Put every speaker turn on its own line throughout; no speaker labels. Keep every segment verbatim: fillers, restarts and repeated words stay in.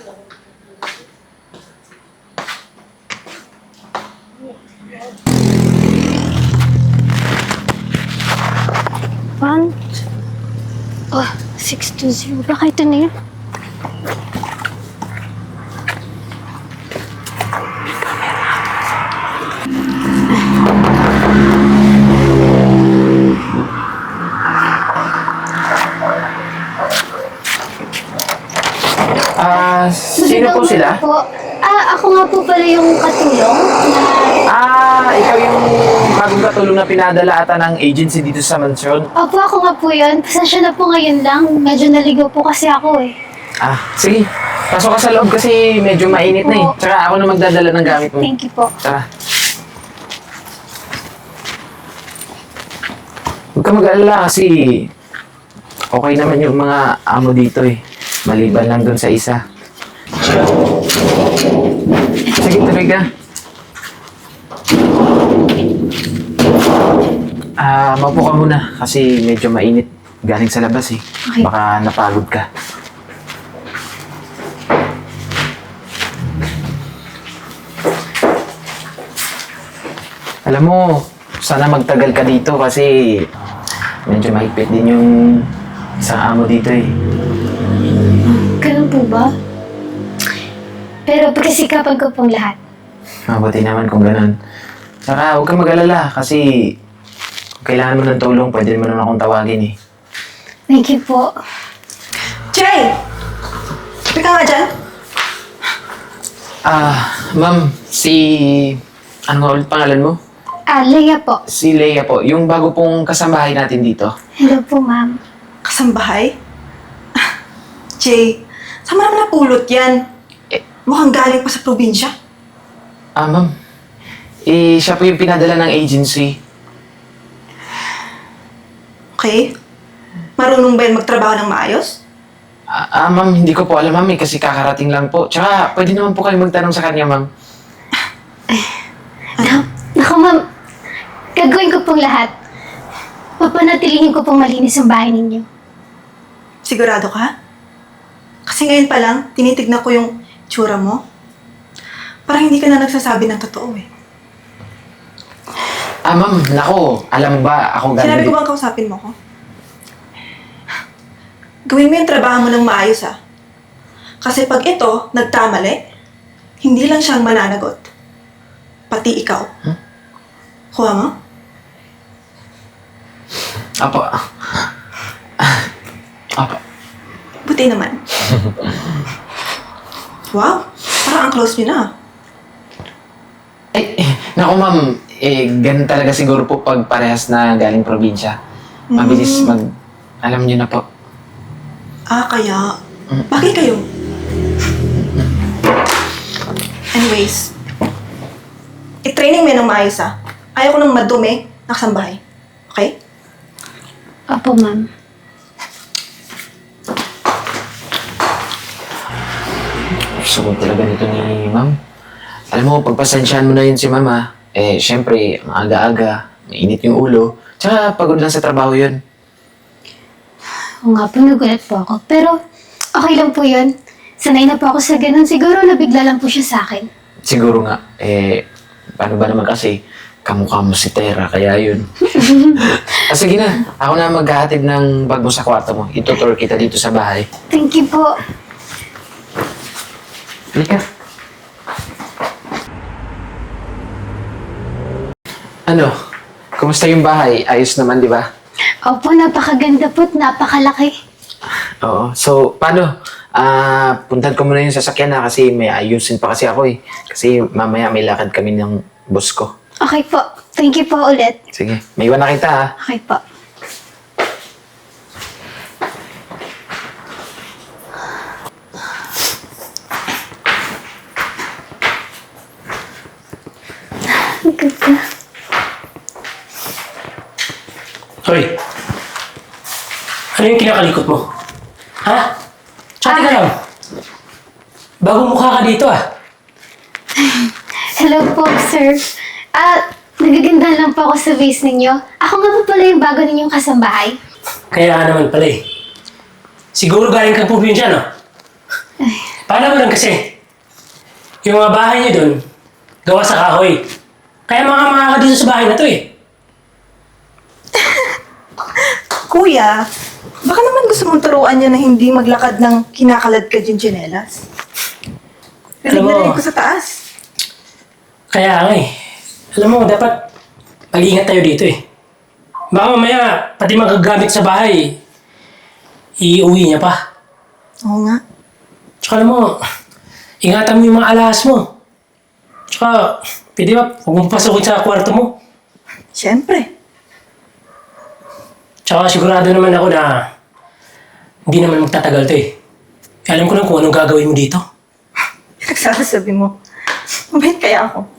One. Oh, six two zero. Baka ito na yun.
Ah, sino po sila?
Po. Ah, ako nga po pala yung katulong na...
Ah, ikaw yung bagong katulong na pinadala ata ng agency dito sa mansyon.
Opo, ako nga po yun. Pasensya na po ngayon lang. Medyo naligaw po kasi ako eh.
Ah, sige. Pasok ka sa loob kasi medyo mainit na eh.
Opo.
Tsaka ako na magdadala ng gamit mo.
Thank you po.
Tara. Huwag ka mag-alala kasi okay naman yung mga amo dito eh. Maliban lang dun sa isa. Sige, tuloy ka. Ah, maupo ka muna kasi medyo mainit. Galing sa labas eh.
Okay.
Baka napagod ka. Alam mo, sana magtagal ka dito kasi medyo mahigpit din yung isang amo dito eh.
Ganun po ba? Pero pagkasikapan ko pong lahat.
Mabuti naman kung ganun. Saka huwag kang mag-alala kasi kung kailangan mo ng tulong, pwede mo naman akong tawagin eh.
Thank you po.
Jay! Sabi ka nga dyan?
Ah, ma'am, si... Ano nga ulit pangalan mo?
Ah, Leia po.
Si Leia po, yung bago pong kasambahay natin dito.
Hello po, ma'am.
Kasambahay? Ah, Jay, saan mo naman napulot yan?
Eh.
Mukhang galing pa sa probinsya.
Ah, ma'am. Eh, siya po yung pinadala ng agency.
Okay? Marunong ba yan magtrabaho ng maayos?
Ah, ah, ma'am, hindi ko po alam, ma'am, eh, kasi kakarating lang po. Tsaka, pwede naman po kayo magtanong sa kanya, ma'am.
Na, naku, ma'am. Gagawin ko pong lahat. Papanatilihin ko pong malinis ang bahay ninyo.
Sigurado ka? Kasi ngayon pa lang, tinitignan ko yung tsura mo. Parang hindi ka na nagsasabi ng totoo eh.
Ah, ma'am, nako, alam mo ba, ako
Sinabi ko
gagawin.
bang kausapin mo ko? Gawin mo yung trabaho mo ng maayos ah. Kasi pag ito, nagtamali, hindi lang siyang mananagot. Pati ikaw.
Huh?
Kuha mo?
Apo. Apo.
Buti naman. Wow, parang ang close niyo na.
Eh, eh, naku, ma'am, eh, ganun talaga siguro po pag parehas na galing probinsya. Mabilis mag... Alam niyo na po.
Ah, kaya... Bakit kayo? Anyways, i-training mo yan ng maayos ah. Ayaw ko ng madumi na kasambahay. Okay?
Opo, ma'am.
Gusto ko talaga nito ni ma'am. Alam mo, pagpasensyahan mo na yun si mama. Eh, syempre, ang aga-aga, mainit yung ulo. Tsaka pagod lang sa trabaho yun.
Oo nga po, nagulat po ako. Pero, okay lang po yun. Sanay na po ako sa ganun. Siguro nabigla lang po siya sa akin.
Siguro nga, eh, paano ba naman kasi, kamukha mo si Tera, kaya yun. ah, sige na, ako na maghahatid ng bag mo sa kwarto mo. Itutour kita dito sa bahay.
Thank you po.
Halika. Ano? Kumusta yung bahay? Ayos naman, di ba?
Opo, napakaganda po at napakalaki.
Oo. So, paano? Ah, puntan ko muna yung sasakyan na kasi may ayusin pa kasi ako eh. Kasi mamaya may lakad kami ng boss ko.
Okay po. Thank you po ulit.
Sige, may iwan na kita ha.
Okay po. Ang ganda.
Hoy! Ano yung kinakalikot mo? Ha? Tsaka ka lang. Bagong mukha ka dito ah.
Hello po, sir. Ah, nagaganda lang po ako sa face ninyo. Ako nga po pala yung bago ninyong kasambahay.
Kaya ka naman pala eh. Siguro galing kang probinsya, no? Paano mo lang kasi? Yung mga bahay niyo doon, gawa sa kahoy. Kaya mga mga ka dito sa bahay na to eh.
Kuya, baka naman gusto mong turuan niya na hindi maglakad ng kinakalad ka yung tsinelas.
Alam mo-
Rinig-rinig ko sa taas.
Kaya nga eh. Alam mo, dapat mag-ingat tayo dito eh. Baka mamaya, pati magagamit sa bahay, iuwi niya pa.
Oo nga.
Tsaka alam mo, ingatan mo yung mga alahas mo. Tsaka, pwede ba, huwag mong pasukin sa kwarto mo.
Siyempre.
Tsaka sigurado naman ako na hindi naman magtatagal to eh. Alam ko lang kung anong gagawin mo dito.
Nagsasabi mo. Mabait kaya ako.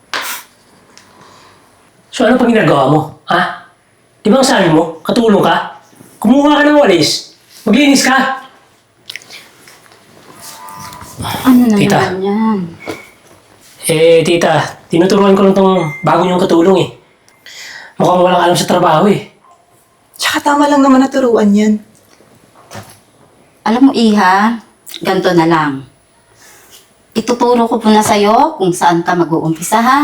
So ano pang ginagawa mo? Ha? Di ba ang sabi mo, katulong ka? Kumuha ka ng walis. Maglinis ka.
Ano na
Tita.
naman yan?
Eh, tita, tinuturuan ko lang tong bago niyong katulong eh. Mukhang walang alam sa trabaho eh.
Tsaka tama lang naman naturuan yan.
Alam mo, Iha, ganito na lang. Ituturo ko muna sa'yo kung saan ka mag-uumpisa, ha?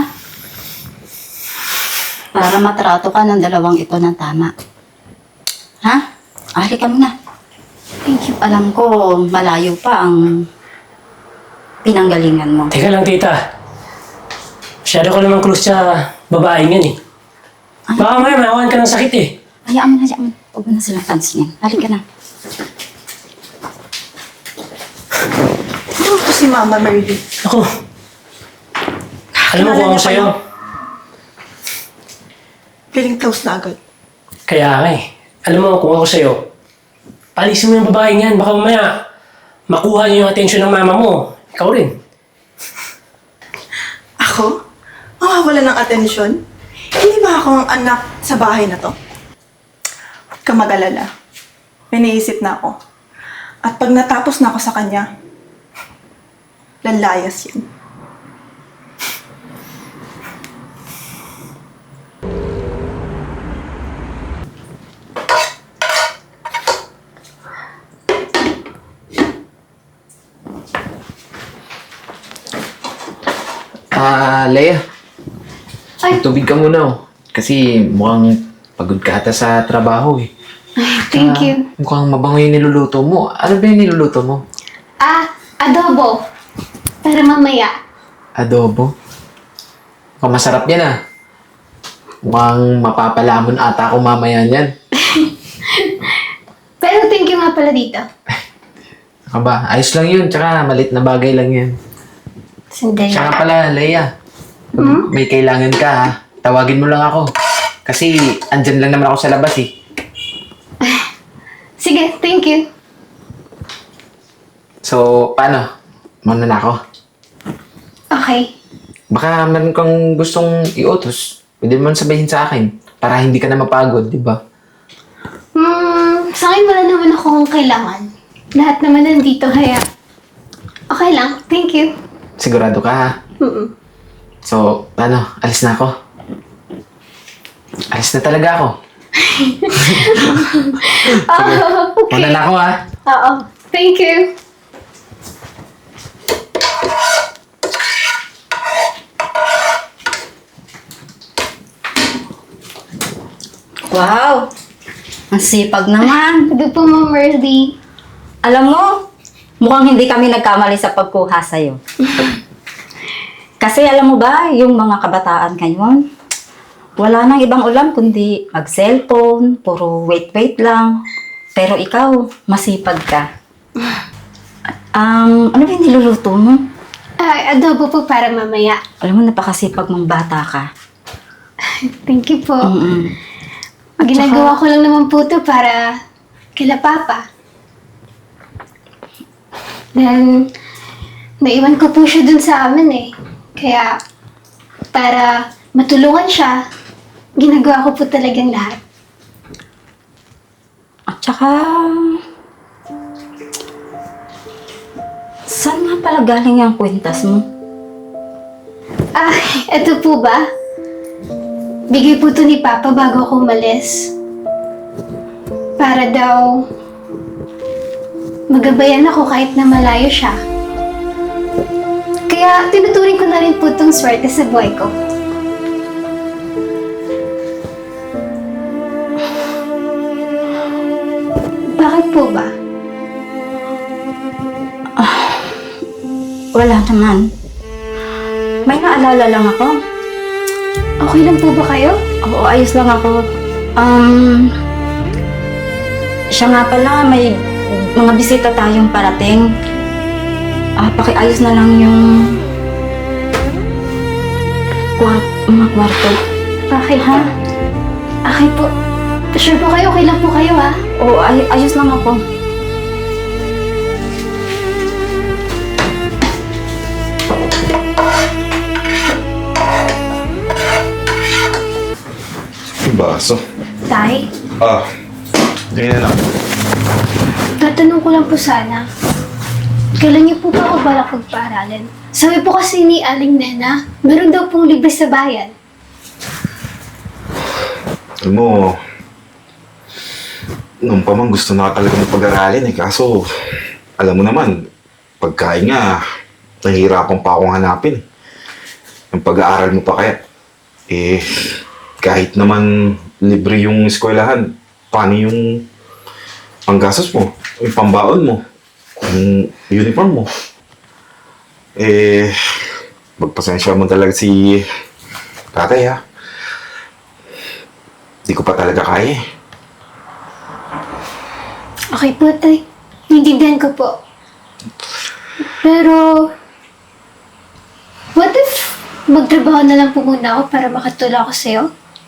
Para matrato ka ng dalawang ito ng tama. Ha? Ahali ka muna. Thank you. Alam ko, malayo pa ang pinanggalingan mo.
Teka lang, tita. Masyado ko naman close sa babaeng yan eh. Baka may mahawan ka ng sakit eh.
Hayaan mo na, hayaan mo. Huwag mo na silang pansinin. Halika ka na.
Ano to si Mama Merly?
Ako. Alam mo kung ako sa'yo.
Feeling close na agad.
Kaya nga eh. Alam mo kung ako sa'yo. Palisin mo yung babaeng yan. Baka mamaya makuha niyo yung atensyon ng mama mo. Ikaw rin.
Ako? Mawawala ng atensyon? Hindi ba ako ang anak sa bahay na to? Huwag ka mag-alala. May naisip na ako. At pag natapos na ako sa kanya, lalayas yan.
Ah, Leia,
Ay,
tubig ka muna oh. Kasi mukhang pagod ka ata sa trabaho eh.
thank
Ah,
you.
Mukhang mabango yung niluluto mo. Ano ba yung niluluto mo?
Ah, adobo. Para mamaya.
Adobo? Mukhang masarap yan ah. Mukhang mapapalamon ata ako mamaya niyan.
Pero thank you nga pala dito.
Saka ba? Ayos lang yun. Tsaka malit na bagay lang yan.
Sandali.
Tsaka pala, Leia. Pag may kailangan ka ha, tawagin mo lang ako. Kasi andyan lang naman ako sa labas eh.
Sige, thank you.
So, paano? Muna na ako.
Okay.
Baka meron kang gustong iutos. Pwede mo sabihin sa akin. Para hindi ka na mapagod, di ba?
Hmm, sa akin wala naman akong kailangan. Lahat naman nandito, kaya okay lang. Thank you.
Sigurado ka ha?
Mm-mm.
So, ano? Alis na ako. Alis na talaga ako.
Oh, okay.
Muna na ako ha.
Oo. Thank you.
Wow! Ang sipag naman.
Ito po, Ma'am Merly.
Alam mo, mukhang hindi kami nagkamali sa pagkuha sa'yo. Kasi alam mo ba, yung mga kabataan ngayon, wala nang ibang ulam kundi mag-cellphone, puro wait-wait lang. Pero ikaw, masipag ka. Um, ano ba yung niluluto mo?
Ah, adobo po para mamaya.
Alam mo, napakasipag mong bata ka.
Thank you po.
Mm-mm.
Ginagawa ko lang naman po ito para kila Papa. Then, naiwan ko po siya dun sa amin eh. Kaya, para matulungan siya, ginagawa ko po talagang lahat.
At saka, saan nga pala galing yung kwintas mo?
Ah, eto po ba? Bigay po to ni Papa bago ako umalis. Para daw magabayan ako kahit na malayo siya. Kaya tinuturing ko na rin po itong swerte sa buhay ko. Bakit po ba?
Wala naman. May naalala lang ako.
Okay lang po ba kayo?
Oo, ayos lang ako. Um, siya nga pala, may mga bisita tayong parating. Ah, pakiayos na lang yung kwart mga kwarto.
Okay ha? Okay po. Sure po kayo, okay lang po kayo ha?
Oo, ay ayos lang ako.
Yung baso.
Tay,
Ah, ganyan na lang.
tatanong ko lang po sana. Kailan niyo po ba ako balak pagpaaralin? Sabi po kasi ni Aling Nena, meron daw pong libre sa bayan.
Alam mo, nung pa man gusto na talaga ng pag-aralin eh. Kaso, alam mo naman, pagkain nga, nahihirapan pa akong hanapin. Yung pag-aaral mo pa kaya. Eh, kahit naman libre yung eskwelahan, paano yung panggastos mo, yung pambaon mo, yung uniform mo. Eh, magpasensya mo talaga si tatay ha. Di ko pa talaga kaya eh.
Okay po, Tay. Naiintindihan ko po. Pero, what if magtrabaho na lang po muna ako para makatulong ako sa'yo?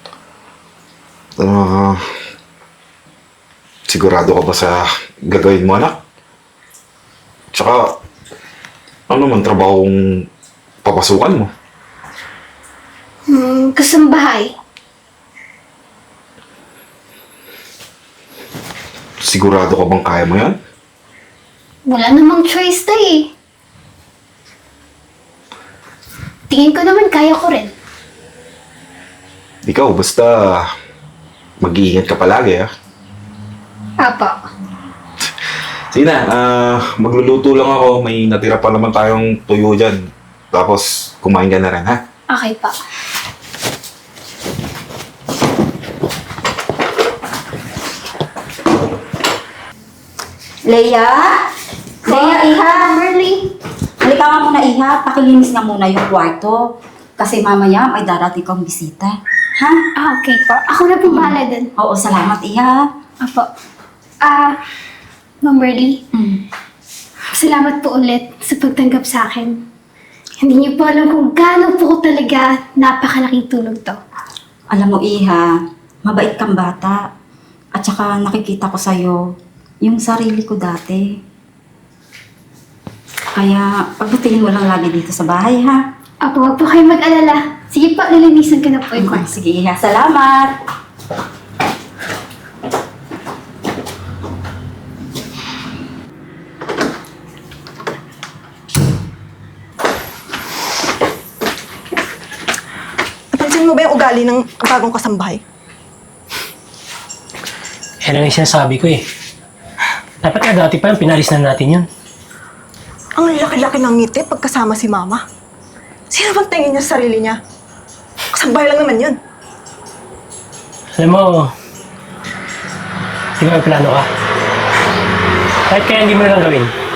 Ah, sigurado ka ba sa gagawin mo, anak? Tsaka, ano man trabahong papasukan mo?
Hmm, kasambahay.
Sigurado ka bang kaya mo yan?
Wala namang choice, Tay eh. Tingin ko naman kaya ko rin.
Ikaw, basta mag-iingat ka palagi, ha?
Apa.
Sige na, ah, magluluto lang ako. May natira pa naman tayong tuyo dyan. Tapos, kumain ka na rin, ha?
Okay pa.
Leia? Leia, iha?
Merly.
Halika nga muna, iha. Pakilinis nga muna yung kwarto. Kasi mamaya may darating kang bisita. Ha?
Ah, okay po. Ako na po bahala dun.
Oo, salamat, iha.
Apo. Ah, Ma'am Merly,
Mm.
salamat po ulit sa pagtanggap sa akin. Hindi niyo po alam kung gaano po ko talaga napakalaking tulong to.
Alam mo, iha, mabait kang bata. At saka nakikita ko sa'yo yung sarili ko dati. Kaya pagbutihin mo lang lagi dito sa bahay, ha?
Apo, wag po kayo mag-alala. Sige po, lilinisan ko na po yung
Ah,
kwarto.
sige, iha. Salamat!
Napansin mo ba yung ugali ng bagong kasambahay?
Yan ang sinasabi ko eh. Dapat nga dati pa yung pinalis na natin yun.
Ang laki-laki ng ngiti pagkasama si Mama. Sino bang tingin niya sa sarili niya? Kasambahay lang naman yun.
Alam mo, di ba may plano ka? Kahit kaya hindi mo na lang gawin.